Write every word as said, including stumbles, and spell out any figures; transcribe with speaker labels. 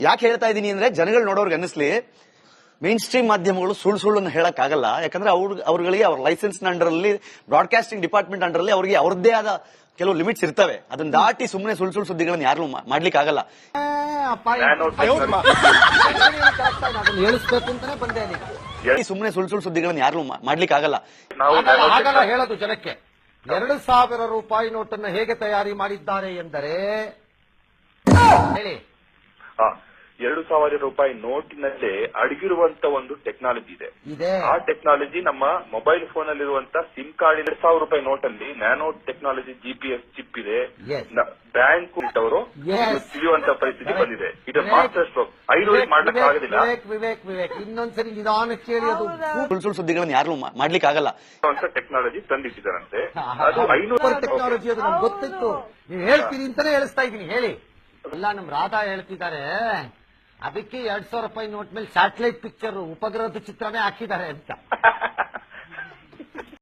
Speaker 1: ಯಾಕೆ ಹೇಳ್ತಾ ಇದೀನಿ ಅಂದ್ರೆ ಜನಗಳು ನೋಡೋರ್ಗೆ ಅನ್ನಿಸ್ಲಿ ಮೇನ್ ಸ್ಟ್ರೀಮ್ ಮಾಧ್ಯಮಗಳು ಸುಳ್ಳು ಸುಳ್ಳನ್ನು ಹೇಳಕ್ ಆಗಲ್ಲ. ಯಾಕಂದ್ರೆ ಅವ್ರ ಅವ್ರಗಳಿಗೆ ಅವ್ರ ಲೈಸೆನ್ಸ್ ಅಂಡರ್ ಅಲ್ಲಿ ಬ್ರಾಡ್ಕಾಸ್ಟಿಂಗ್ ಡಿಪಾರ್ಟ್ಮೆಂಟ್ ಅಂಡರ್ ಅಲ್ಲಿ ಅವರಿಗೆ ಅವ್ರದ್ದೇ ಆದ ಕೆಲವು ಲಿಮಿಟ್ಸ್ ಇರ್ತವೆ. ಅದನ್ನ ದಾಟಿ ಸುಮ್ಮನೆ ಸುಳ್ಳು ಸುಳ್ಳು ಸುದ್ದಿಗಳನ್ನ ಯಾರು ಮಾಡ್ಲಿಕ್ಕೆ ಆಗಲ್ಲ. ಸುಮ್ಮನೆ ಸುಳ್ಳು ಸುಳ್ಳು ಸುದ್ದಿಗಳನ್ನ ಯಾರು ಮಾಡ್ಲಿಕ್ಕೆ ಆಗಲ್ಲ.
Speaker 2: ಹೇಳೋದು ಜನಕ್ಕೆ ಎರಡು ಸಾವಿರ ರೂಪಾಯಿ ನೋಟನ್ನು ಹೇಗೆ ತಯಾರಿ ಮಾಡಿದ್ದಾರೆ ಎಂದರೆ ಹೇಳಿ.
Speaker 3: ಎರಡು ಸಾವಿರ ರೂಪಾಯಿ ನೋಟಿನಲ್ಲೇ ಅಡಗಿರುವಂತ ಒಂದು ಟೆಕ್ನಾಲಜಿ ಇದೆ. ಆ ಟೆಕ್ನಾಲಜಿ ನಮ್ಮ ಮೊಬೈಲ್ ಫೋನ್ ಅಲ್ಲಿರುವಂತ ಸಿಮ್ ಕಾರ್ಡ್ ಎರಡು ಸಾವಿರ ರೂಪಾಯಿ ನೋಟ್ ಅಲ್ಲಿ ನ್ಯಾನೋ ಟೆಕ್ನಾಲಜಿ ಜಿಪಿಎಸ್ ಚಿಪ್ ಇದೆ. ಬ್ಯಾಂಕ್ ಅವರು ತಿಳಿಯುವಂತ ಪರಿಸ್ಥಿತಿ ಬಂದಿದೆ. ಇದು ಮಾಸ್ಟರ್ ಸ್ಟ್ರೋಕ್. ಐದು ಮಾಡ್ಲಿಕ್ಕೆ ಆಗೋದಿಲ್ಲ.
Speaker 2: ವಿವೇಕ್ ವಿವೇಕ್ ವಿವೇಕ್ ಇನ್ನೊಂದ್ಸರಿ ನಿಧಾನಕ್ಕೆ ಹೇಳಿ. ಅದು
Speaker 1: ಸುಳ್ಳು ಸುಳ್ಳು ಸುದ್ದಿಗಳನ್ನ ಯಾರು ಮಾಡ್ಲಿಕ್ಕೆ ಆಗಲ್ಲ
Speaker 3: ಅಂತ ಟೆಕ್ನಾಲಜಿ ತಂದಿಟ್ಟಿದ್ದಾರಂತೆ. ಅದು ಐನೂರು
Speaker 2: ಟೆಕ್ನಾಲಜಿ ಅದು ನಮ್ಗೆ ಗೊತ್ತಿತ್ತು. ನೀವು ಹೇಳ್ತೀರಿ ಅಂತಾನೆ ಹೇಳಿಸ್ತಾ ಇದ್ದೀನಿ. ಹೇಳಿ. ಎಲ್ಲ ನಮ್ ರಾಧಾ ಹೇಳ್ತಿದ್ದಾರೆ ಅದಕ್ಕೆ ಎರಡ್ ಸಾವಿರ ರೂಪಾಯಿ ನೋಟ್ ಮೇಲೆ ಸ್ಯಾಟಲೈಟ್ ಪಿಕ್ಚರ್ ಉಪಗ್ರಹದ ಚಿತ್ರನೇ ಹಾಕಿದ್ದಾರೆ ಅಂತ.